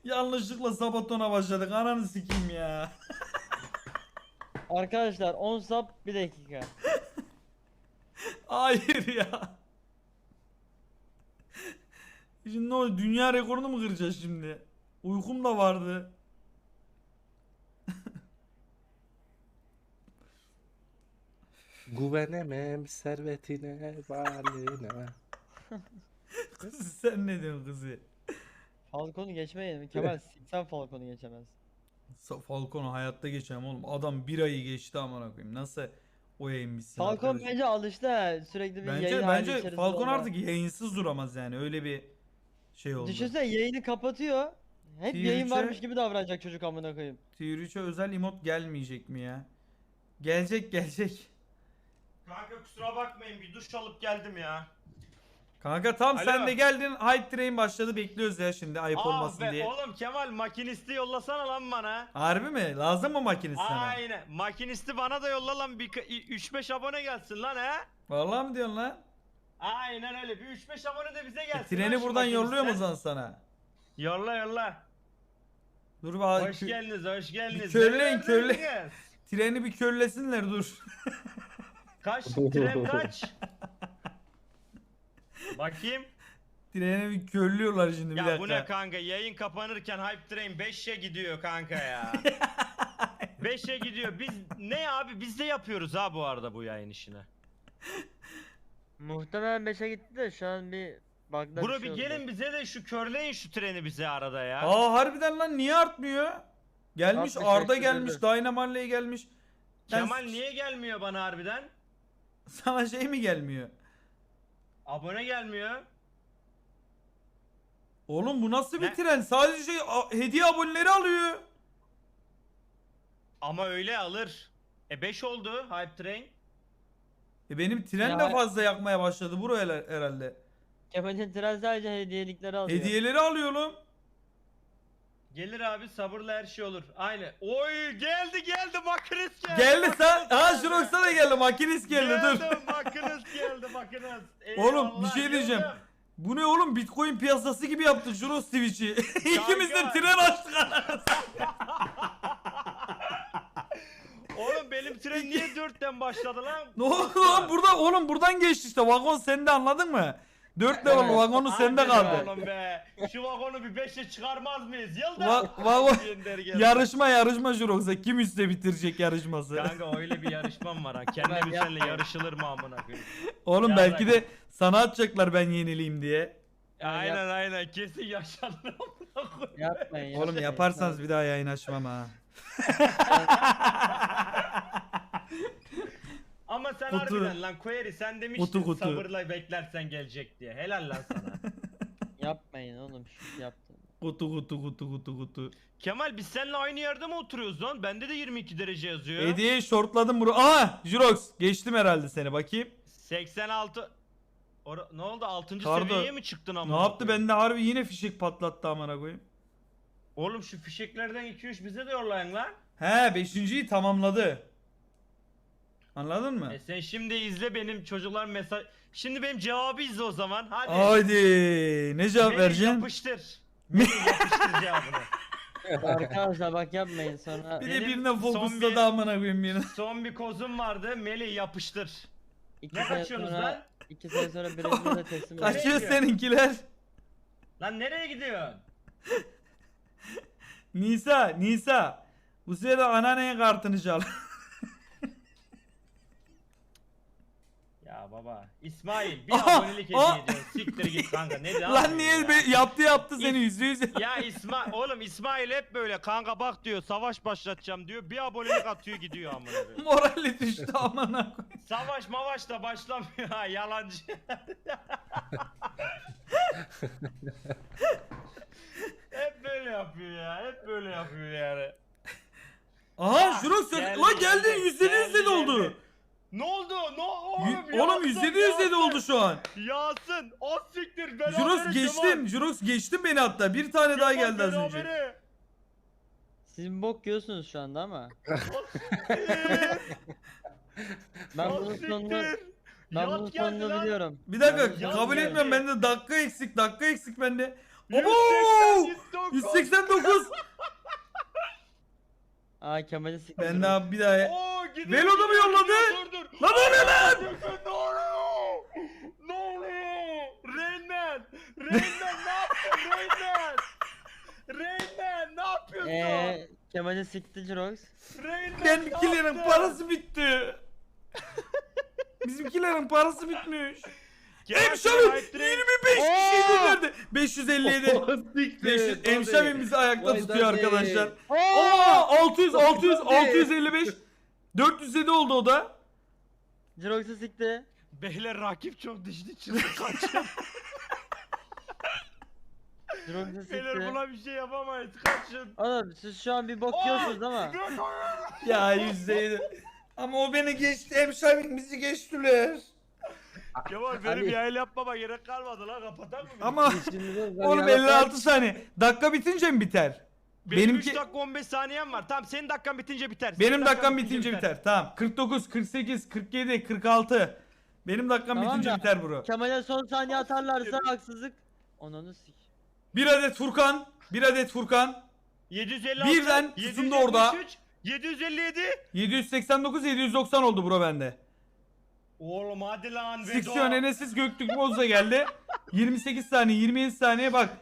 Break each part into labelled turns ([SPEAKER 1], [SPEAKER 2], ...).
[SPEAKER 1] Yanlışlıkla Sabaton'a başladık. Ananı sikeyim ya.
[SPEAKER 2] Arkadaşlar 10 sap 1 dakika.
[SPEAKER 1] Hayır ya. Şimdi ne oldu? Dünya rekorunu mu kıracağız şimdi? Uykum da vardı.
[SPEAKER 3] Güvenemem servetine, varlığına.
[SPEAKER 1] Kız sen ne diyorsun kızı?
[SPEAKER 2] Falcon'u geçmeyelim. Kemal sen Falcon'u geçemez.
[SPEAKER 1] Falcon'u hayatta geçemem oğlum. Adam bir ayı geçti amına koyayım. Nasıl o yayın bitsin
[SPEAKER 2] Falcon
[SPEAKER 1] arkadaş?
[SPEAKER 2] bence alıştı ha. Sürekli bir yayın hali
[SPEAKER 1] Bence
[SPEAKER 2] içerisinde
[SPEAKER 1] Falcon
[SPEAKER 2] olma.
[SPEAKER 1] artık yayınsız duramaz yani. Öyle bir şey oldu.
[SPEAKER 2] Düşünsene yayını kapatıyor. Hep
[SPEAKER 1] Tier
[SPEAKER 2] yayın
[SPEAKER 1] 3'e
[SPEAKER 2] varmış gibi davranacak çocuk amına koyayım.
[SPEAKER 1] Tier 3'e özel emot gelmeyecek mi ya? Gelecek.
[SPEAKER 4] Kanka kusura bakmayın bir duş alıp geldim ya.
[SPEAKER 1] Kanka tam
[SPEAKER 4] Alo.
[SPEAKER 1] sen de geldin. Hype train başladı. Bekliyoruz ya şimdi ayıp olmasın
[SPEAKER 4] be,
[SPEAKER 1] diye.
[SPEAKER 4] oğlum Kemal makinisti yollasana lan bana.
[SPEAKER 1] Harbi mi? Lazım mı makinesi sana?
[SPEAKER 4] Aynen. Makinisti bana da yolla lan bir 3-5 abone gelsin lan he.
[SPEAKER 1] Vallahi mi diyorsun lan?
[SPEAKER 4] Aynen öyle bir 3-5 abone de bize gelsin.
[SPEAKER 1] Treni
[SPEAKER 4] lan şu
[SPEAKER 1] buradan yolluyor mu
[SPEAKER 4] makinisten.
[SPEAKER 1] lan sana?
[SPEAKER 4] Yolla.
[SPEAKER 1] Dur bak.
[SPEAKER 4] Hoş geldiniz.
[SPEAKER 1] körleyin,
[SPEAKER 4] Neler
[SPEAKER 1] körleyin.
[SPEAKER 4] verdiniz?
[SPEAKER 1] Treni bir körlesinler dur.
[SPEAKER 4] Kaç? Tren kaç? Bakayım.
[SPEAKER 1] Treni bir körlüyorlar şimdi bir
[SPEAKER 4] Ya
[SPEAKER 1] dakika.
[SPEAKER 4] bu ne kanka? Yayın kapanırken Hype Train 5'e gidiyor kanka ya. 5'e gidiyor. Biz ne abi? Biz de yapıyoruz ha bu arada bu yayın işini.
[SPEAKER 2] Muhtemelen 5'e gitti de şu an bir bug'da
[SPEAKER 4] Bro
[SPEAKER 2] bir şey
[SPEAKER 4] bir
[SPEAKER 2] oldu.
[SPEAKER 4] gelin bize de şu körleyin şu treni bize arada ya.
[SPEAKER 1] Aa harbiden lan niye artmıyor? Gelmiş
[SPEAKER 2] Artmış,
[SPEAKER 1] Arda
[SPEAKER 2] eksi
[SPEAKER 1] gelmiş,
[SPEAKER 2] döndü.
[SPEAKER 1] Dynamarley gelmiş. Ben-
[SPEAKER 4] Kemal niye gelmiyor bana harbiden?
[SPEAKER 1] Sana şey mi gelmiyor?
[SPEAKER 4] Abone gelmiyor.
[SPEAKER 1] Oğlum bu nasıl bir
[SPEAKER 4] Ne?
[SPEAKER 1] tren? Sadece hediye aboneleri alıyor.
[SPEAKER 4] Ama öyle alır. 5 oldu Hype Train.
[SPEAKER 1] Benim tren
[SPEAKER 2] Ya-
[SPEAKER 1] de fazla yakmaya başladı bro herhalde.
[SPEAKER 2] Kemal'in tren sadece hediyelikleri alıyor.
[SPEAKER 1] Hediyeleri alıyor oğlum.
[SPEAKER 4] Gelir abi sabırla her şey olur. Aynı. Oy geldi makinist geldi.
[SPEAKER 1] Geldi sen.
[SPEAKER 4] makinist
[SPEAKER 1] Ha
[SPEAKER 4] geldi.
[SPEAKER 1] Jurox'a da geldi. Makinist geldi dur.
[SPEAKER 4] Makinist geldi makinist.
[SPEAKER 1] Oğlum bir
[SPEAKER 4] Eyvallah,
[SPEAKER 1] şey diyeceğim.
[SPEAKER 4] yıldırım.
[SPEAKER 1] Bu ne oğlum Bitcoin piyasası gibi yaptı Jurox Twitch'i. İkimiz de
[SPEAKER 4] Kanka.
[SPEAKER 1] tren açtık anasını.
[SPEAKER 4] Oğlum benim tren niye 4'ten başladı lan?
[SPEAKER 1] Ne oldu lan burada oğlum buradan geçti işte vagon sende anladın mı? 4 level
[SPEAKER 2] Evet.
[SPEAKER 1] vagonu sende
[SPEAKER 4] Hadi
[SPEAKER 1] kaldı.
[SPEAKER 4] Oğlum be. Şu vagonu bir 5'e çıkarmaz mıyız? Yıldız.
[SPEAKER 1] Vagon
[SPEAKER 4] Gönder gel.
[SPEAKER 1] yarışma Jurox'a kim üstte bitirecek yarışması.
[SPEAKER 4] Kanka öyle bir yarışmam var ha. Kendi
[SPEAKER 2] Ben
[SPEAKER 4] bir seninle
[SPEAKER 2] yapmayayım.
[SPEAKER 4] yarışılır mı amına koyayım?
[SPEAKER 1] Oğlum
[SPEAKER 4] Ya
[SPEAKER 1] belki
[SPEAKER 4] bak-
[SPEAKER 1] de sana atacaklar ben yenileyim diye.
[SPEAKER 4] Aynen kesin yaşanır amına koyayım.
[SPEAKER 2] Yapmayın.
[SPEAKER 1] Oğlum yaparsanız bir daha yayın açmam ha.
[SPEAKER 4] Ama sen
[SPEAKER 1] Kutu.
[SPEAKER 4] harbiden lan Query sen demiştin
[SPEAKER 1] Kutu.
[SPEAKER 4] sabırla beklersen gelecek diye. Helal lan sana.
[SPEAKER 2] Yapmayın oğlum şu yaptın.
[SPEAKER 1] Kutu.
[SPEAKER 4] Kemal biz seninle aynı yerde mi oturuyoruz lan? Bende de 22 derece yazıyor.
[SPEAKER 1] Hediyeyi shortladım bro. Aha Jurox geçtim herhalde seni bakayım.
[SPEAKER 4] 86. Ne oldu? 6.
[SPEAKER 1] Kardo,
[SPEAKER 4] seviyeye mi çıktın amına
[SPEAKER 1] Ne yaptı
[SPEAKER 4] koyayım?
[SPEAKER 1] bende harbi yine fişek patlattı amına koyayım.
[SPEAKER 4] Oğlum şu fişeklerden 2-3 bize de yollayın lan.
[SPEAKER 1] He 5.'yi tamamladı. Anladın mı?
[SPEAKER 4] Sen şimdi izle benim çocuklar mesaj. Şimdi benim cevabı izle o zaman. Hadi.
[SPEAKER 1] Haydi ne cevap
[SPEAKER 4] Melih
[SPEAKER 1] vereceksin?
[SPEAKER 4] yapıştır. Melih yapıştır cevabını.
[SPEAKER 2] Arkadaşlar bak yapmayın sonra.
[SPEAKER 1] Bir de
[SPEAKER 4] Benim
[SPEAKER 1] birine
[SPEAKER 4] son
[SPEAKER 1] fokusladı
[SPEAKER 4] bir-
[SPEAKER 1] amına koyayım birine.
[SPEAKER 4] Son bir kozum vardı. Melih yapıştır.
[SPEAKER 2] 2
[SPEAKER 4] Ne
[SPEAKER 2] sene
[SPEAKER 4] kaçıyorsunuz
[SPEAKER 2] sonra
[SPEAKER 4] lan?
[SPEAKER 2] 2 sene sonra Brezilya'da teslim
[SPEAKER 4] Kaç-
[SPEAKER 2] olacak.
[SPEAKER 1] Kaçıyor
[SPEAKER 4] gidiyor?
[SPEAKER 1] seninkiler.
[SPEAKER 4] Lan nereye gidiyorsun?
[SPEAKER 1] Nisa. Bu sırada anneannenin kartını çal.
[SPEAKER 4] Ya baba. İsmail bir
[SPEAKER 1] Aha,
[SPEAKER 4] abonelik hediye
[SPEAKER 1] aa.
[SPEAKER 4] ediyorsun. Siktir git kanka. Ne diyorsun
[SPEAKER 1] Lan niye yaptı seni %100.
[SPEAKER 4] Ya oğlum İsmail hep böyle kanka bak diyor savaş başlatacağım diyor. Bir abonelik atıyor gidiyor amına koyayım.
[SPEAKER 1] Morali düştü amına koyayım.
[SPEAKER 4] Savaş mavaş da başlamıyor ha yalancı. Hep böyle yapıyor ya. Hep böyle yapıyor yani.
[SPEAKER 1] Aha Jurox
[SPEAKER 4] Geldi,
[SPEAKER 1] lan geldin
[SPEAKER 4] geldi,
[SPEAKER 1] %100 dedi oldu.
[SPEAKER 4] Ne oldu?
[SPEAKER 1] Oğlum %100 dedi oldu şu an.
[SPEAKER 4] Yağsın. O siktir.
[SPEAKER 1] Jurox geçtin. Jurox geçtin beni hatta. Bir tane daha geldi az önce.
[SPEAKER 2] Siz bok yiyorsunuz şu anda ama. Ben bunun sonunu ben bunun sonunu biliyorum.
[SPEAKER 1] Bir dakika
[SPEAKER 4] Ya
[SPEAKER 1] kabul
[SPEAKER 4] geldi.
[SPEAKER 1] etmiyorum bende dakika eksik bende. Abo!
[SPEAKER 4] 189.
[SPEAKER 1] 189.
[SPEAKER 2] Aa Kemal'i siktir.
[SPEAKER 1] Ben daha bir daha.
[SPEAKER 4] Oo, gidiyor,
[SPEAKER 1] Velo'da mı
[SPEAKER 4] gidiyor,
[SPEAKER 1] yolladı?
[SPEAKER 4] gidiyor, dur, dur.
[SPEAKER 1] Lan o ne lan?
[SPEAKER 4] Ne oluyor? Ne oluyor? Rainman! Rainman ne yaptın Rainman? Rainman ne yapıyorsun?
[SPEAKER 2] Kemal'i sikti Jirox.
[SPEAKER 4] Rainman
[SPEAKER 1] Benimkilerin
[SPEAKER 4] ne yaptın?
[SPEAKER 1] parası bitti. Bizimkilerin parası bitmiş.
[SPEAKER 4] Kemal
[SPEAKER 1] Emşavim
[SPEAKER 4] seni hype train-
[SPEAKER 1] 25 kişi gönderdi. 557. 500. Emşavim bizi ayakta
[SPEAKER 3] Vay
[SPEAKER 1] tutuyor
[SPEAKER 3] daddy.
[SPEAKER 1] arkadaşlar.
[SPEAKER 2] Oo!
[SPEAKER 1] Aa 600 600
[SPEAKER 3] Daddy.
[SPEAKER 1] 655. 407 oldu o da.
[SPEAKER 2] Jirox'u sikti.
[SPEAKER 4] Beyler rakip çok dişli çıktı kaçın.
[SPEAKER 2] Jirox'u
[SPEAKER 4] Beyler
[SPEAKER 2] sikti.
[SPEAKER 4] buna bir şey yapamayız kaçın.
[SPEAKER 2] Oğlum siz şu an bir bok yiyorsunuz ama.
[SPEAKER 1] Ya %7. Ama o beni geçti. Emşavim bizi geçtiler.
[SPEAKER 4] Kemal benim yayın yapmama gerek kalmadı lan kapatak mı?
[SPEAKER 1] Ama oğlum 56 saniye. Dakika bitince mi biter?
[SPEAKER 4] Benim
[SPEAKER 1] benimki-
[SPEAKER 4] 3 dakika 15 saniyem var. Tamam senin dakikan bitince biter.
[SPEAKER 1] Benim
[SPEAKER 4] Senin
[SPEAKER 1] dakikam bitince biter. Tamam. 49, 48, 47, 46. Benim dakikam
[SPEAKER 2] Tamam
[SPEAKER 1] bitince
[SPEAKER 2] da-
[SPEAKER 1] biter bro.
[SPEAKER 2] Kemal'e son saniye atarlarsa haksızlık. Onunu sik.
[SPEAKER 1] Bir adet Furkan. Bir adet Furkan.
[SPEAKER 4] 756.
[SPEAKER 1] Birden tutundu orada.
[SPEAKER 4] 757.
[SPEAKER 1] 789, 790 oldu bro bende.
[SPEAKER 4] Oğlum hadi lan Vedo.
[SPEAKER 1] Siksiyon Enes'iz Göktürk Bozda geldi. 28 saniye, 27 saniye bak.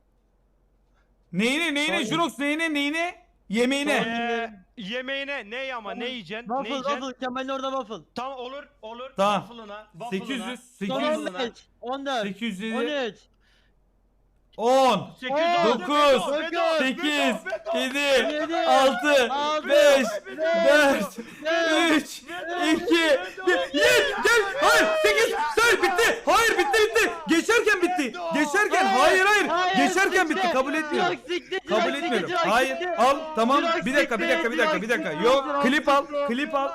[SPEAKER 1] Neyine
[SPEAKER 2] Son-
[SPEAKER 1] Jurox neyine? Yemeğine.
[SPEAKER 4] Yemeğine ne ama ne yiyeceksin? Ne
[SPEAKER 2] Waffle
[SPEAKER 4] yiyeceksin?
[SPEAKER 2] waffle Kemal'in orada waffle.
[SPEAKER 4] Tamam olur.
[SPEAKER 1] Tamam.
[SPEAKER 4] Waffle'ına.
[SPEAKER 1] 800,
[SPEAKER 2] Son
[SPEAKER 1] 800,
[SPEAKER 2] 15, 14,
[SPEAKER 1] 807,
[SPEAKER 2] 13,
[SPEAKER 1] 10, 9, 8, 7,
[SPEAKER 2] 7,
[SPEAKER 1] 6,
[SPEAKER 2] 6,
[SPEAKER 1] 5, 4,
[SPEAKER 2] 4,
[SPEAKER 1] 3, 2, 1. Gel. Hayır 8. Say bitti. Hayır bitti. Geçerken bitti. Geçerken hayır. Geçerken bitti. Kabul etmiyorum. Kabul etmiyorum. Hayır. Al tamam. Bir dakika. Yok klip al. Klip al.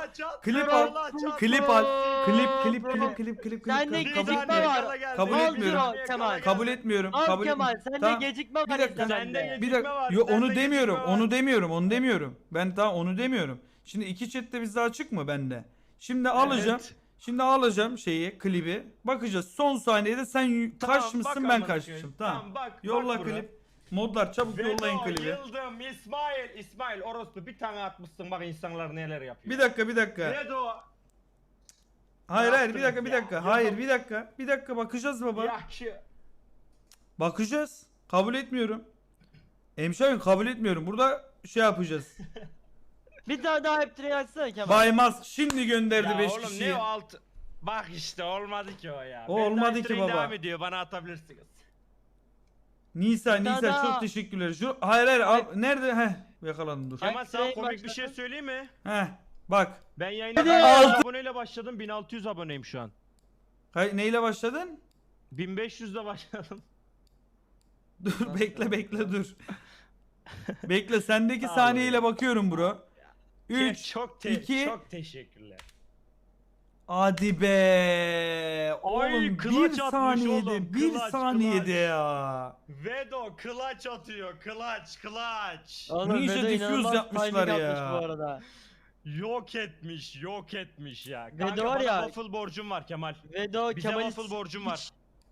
[SPEAKER 2] Sende
[SPEAKER 1] Kabul
[SPEAKER 2] gecikme
[SPEAKER 1] etmiyorum.
[SPEAKER 2] var.
[SPEAKER 1] Kabul
[SPEAKER 2] Al
[SPEAKER 1] etmiyorum.
[SPEAKER 2] Jirox, Kemal.
[SPEAKER 1] Kabul etmiyorum.
[SPEAKER 2] Al
[SPEAKER 1] Kabul
[SPEAKER 2] Kemal
[SPEAKER 1] etmiyorum.
[SPEAKER 2] sende
[SPEAKER 1] Tamam.
[SPEAKER 2] gecikme var
[SPEAKER 1] Bir dakika.
[SPEAKER 2] izlemende.
[SPEAKER 1] Bir dakika. Yo, onu demiyorum. Onu demiyorum. Ben daha onu demiyorum. Şimdi iki chatte bizde açık mı bende? Şimdi alacağım.
[SPEAKER 4] Evet.
[SPEAKER 1] Şimdi alacağım klibi. Bakacağız. Son saniyede sen kaç
[SPEAKER 4] Tamam,
[SPEAKER 1] mısın
[SPEAKER 4] bak
[SPEAKER 1] ben
[SPEAKER 4] amına
[SPEAKER 1] kaçmışım.
[SPEAKER 4] koyayım.
[SPEAKER 1] Tamam.
[SPEAKER 4] bak.
[SPEAKER 1] Yolla
[SPEAKER 4] bak bura.
[SPEAKER 1] klip. Modlar çabuk yollayın
[SPEAKER 4] Vedo,
[SPEAKER 1] klibi.
[SPEAKER 4] Yıldım, İsmail orospu bir tane atmışsın bak insanlar neler yapıyor.
[SPEAKER 1] Bir dakika.
[SPEAKER 4] Vedo.
[SPEAKER 1] Hayır bir
[SPEAKER 4] yaptınız
[SPEAKER 1] dakika.
[SPEAKER 4] ya?
[SPEAKER 1] Hayır bir dakika bakacağız baba.
[SPEAKER 4] Yakşı.
[SPEAKER 1] Bakacağız. Kabul etmiyorum. Emşavim kabul etmiyorum. Burada şey yapacağız.
[SPEAKER 2] Bir tane daha hep tray açsana Kemal.
[SPEAKER 1] Baymaz şimdi gönderdi
[SPEAKER 4] Ya
[SPEAKER 1] 5
[SPEAKER 4] oğlum
[SPEAKER 1] kişiyi.
[SPEAKER 4] ne o alt... Bak işte olmadı ki o ya.
[SPEAKER 1] O
[SPEAKER 4] Ben
[SPEAKER 1] olmadı
[SPEAKER 4] daha
[SPEAKER 1] ki
[SPEAKER 4] train
[SPEAKER 1] baba.
[SPEAKER 4] devam ediyor bana atabilirsiniz.
[SPEAKER 1] Nisa
[SPEAKER 2] Daha-
[SPEAKER 1] çok teşekkürler. Hayır al. Nerede? Yakaladım dur.
[SPEAKER 4] Kemal sana
[SPEAKER 2] train
[SPEAKER 4] komik bir
[SPEAKER 2] başladı.
[SPEAKER 4] şey söyleyeyim mi?
[SPEAKER 1] Bak.
[SPEAKER 4] Ben yayına
[SPEAKER 2] Hadi.
[SPEAKER 4] 1600 aboneyle başladım 1600 aboneyim şu an.
[SPEAKER 1] Neyle başladın?
[SPEAKER 4] 1500'de başladım.
[SPEAKER 1] Dur bekle dur. Bekle sendeki
[SPEAKER 4] Sağ ol
[SPEAKER 1] saniyeyle
[SPEAKER 4] ya.
[SPEAKER 1] bakıyorum bro. 3
[SPEAKER 4] çok
[SPEAKER 1] 2
[SPEAKER 4] çok teşekkürler.
[SPEAKER 1] Hadi be. Oğlum
[SPEAKER 4] kılaç
[SPEAKER 1] 1
[SPEAKER 4] atmış
[SPEAKER 1] saniyede
[SPEAKER 4] oğlum,
[SPEAKER 1] 1
[SPEAKER 4] kılaç,
[SPEAKER 1] saniyede
[SPEAKER 4] kılaç.
[SPEAKER 1] ya.
[SPEAKER 4] Vedo clutch atıyor clutch.
[SPEAKER 2] Oğlum
[SPEAKER 1] Ninja
[SPEAKER 2] Vedo
[SPEAKER 1] diffuse
[SPEAKER 2] inanılmaz
[SPEAKER 1] yapmışlar
[SPEAKER 2] timing
[SPEAKER 1] ya.
[SPEAKER 2] atmış bu arada.
[SPEAKER 4] Yok etmiş ya.
[SPEAKER 2] Vedo
[SPEAKER 4] Kanka
[SPEAKER 2] var
[SPEAKER 4] bana
[SPEAKER 2] ya-
[SPEAKER 4] waffle borcum var Kemal.
[SPEAKER 2] Vedo
[SPEAKER 4] Bize
[SPEAKER 2] Kemal'i
[SPEAKER 4] waffle borcum var.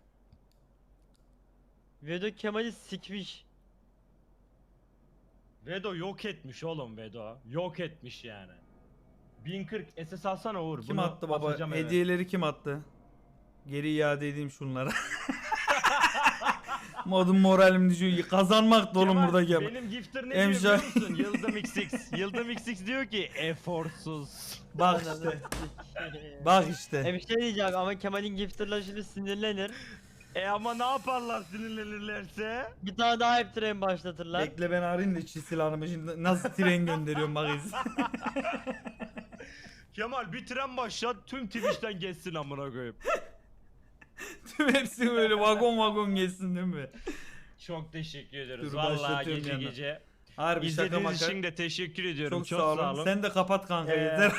[SPEAKER 2] Vedo Kemal'i sikmiş.
[SPEAKER 4] Vedo yok etmiş oğlum Vedo. Yok etmiş yani. 1040 SS alsana Uğur.
[SPEAKER 1] Kim
[SPEAKER 4] bunu
[SPEAKER 1] attı baba?
[SPEAKER 4] atacağım eve.
[SPEAKER 1] Hediyeleri kim attı? Geri iade edeyim şunlara. Modum moralim düşüyor. Kazanmak da oğlum
[SPEAKER 4] Kemal,
[SPEAKER 1] burada gel.
[SPEAKER 4] Benim gifter ne
[SPEAKER 1] Emşa-
[SPEAKER 4] diyor biliyor musun? Yıldım XX. Yıldım XX diyor ki eforsuz.
[SPEAKER 1] Bak işte. Bak işte.
[SPEAKER 2] Bir şey diyeceğim ama Kemal'in gifter'la şimdi sinirlenir.
[SPEAKER 4] Ama ne yaparlar sinirlenirlerse?
[SPEAKER 2] Bir tane daha hep train başlatırlar.
[SPEAKER 1] Bekle ben arayayım da çisil hanımı şimdi nasıl tren gönderiyorum bak izle.
[SPEAKER 4] Kemal bir tren başlat tüm Twitch'ten geçsin amına koyayım.
[SPEAKER 1] Tüm hepsi böyle vagon geçsin değil mi?
[SPEAKER 4] Çok teşekkür ediyoruz.
[SPEAKER 1] Dur,
[SPEAKER 4] Vallahi
[SPEAKER 1] başlatıyorum
[SPEAKER 4] gece
[SPEAKER 1] yandan.
[SPEAKER 4] gece.
[SPEAKER 1] Harbi şaka
[SPEAKER 4] İzlediğiniz
[SPEAKER 1] maka.
[SPEAKER 4] için de teşekkür ediyorum.
[SPEAKER 1] Çok sağ olun. Sen de kapat kanka
[SPEAKER 4] Ee,
[SPEAKER 1] yeter.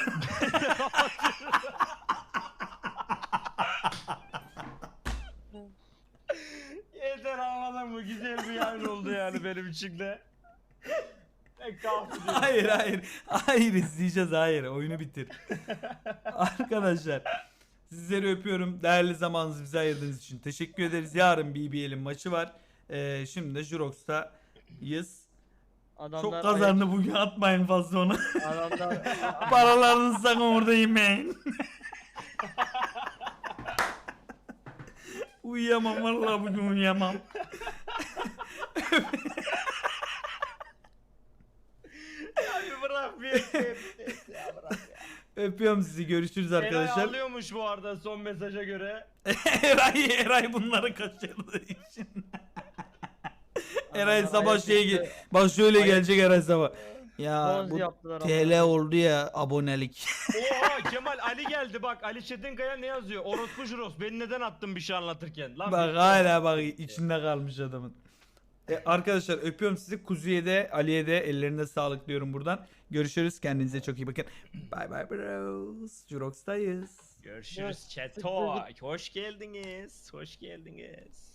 [SPEAKER 4] Yeter anladın mı? Güzel bir yayın oldu yani benim için de. Pek kahve
[SPEAKER 1] Hayır izleyeceğiz hayır oyunu bitir. Arkadaşlar sizleri öpüyorum. Değerli zamanınızı bize ayırdığınız için teşekkür ederiz. Yarın BBL'in maçı var. Şimdi de Jurox'tayız.
[SPEAKER 2] Adamlar
[SPEAKER 1] Çok kazandı bugün, atmayın fazla onu.
[SPEAKER 2] Adamlar
[SPEAKER 1] Paralarınızı sakın orada yemeyin. Uyuyamam vallahi, bugün uyuyamam.
[SPEAKER 4] Abi bırak bir ya bırak ya.
[SPEAKER 1] Öpüyorum sizi, görüşürüz
[SPEAKER 4] Eray
[SPEAKER 1] arkadaşlar.
[SPEAKER 4] ağlıyormuş bu arada son mesaja göre.
[SPEAKER 1] Eray bunları kaçırdığı için. Eray
[SPEAKER 2] Adamlar
[SPEAKER 1] sabah
[SPEAKER 2] ayak
[SPEAKER 1] şey
[SPEAKER 2] üstü
[SPEAKER 1] bak şöyle
[SPEAKER 2] ayak-
[SPEAKER 1] gelecek Eray sabah. Ya
[SPEAKER 2] bonz
[SPEAKER 1] bu
[SPEAKER 2] yaptılar
[SPEAKER 1] TL oldu ya abonelik.
[SPEAKER 4] Oha Kemal Ali geldi bak, Ali Çetinkaya ne yazıyor? Orospu Juros, beni neden attın bir şey anlatırken? Lan
[SPEAKER 1] Bak
[SPEAKER 4] bir-
[SPEAKER 1] hala bak içinde kalmış adamın. Arkadaşlar öpüyorum sizi. Kuzu'ya de Ali'ye de ellerine sağlık diyorum buradan. Görüşürüz. Kendinize çok iyi bakın. Bye bye bros. Jurox'tayız.
[SPEAKER 4] Görüşürüz Çeto. Hoş geldiniz. Hoş geldiniz.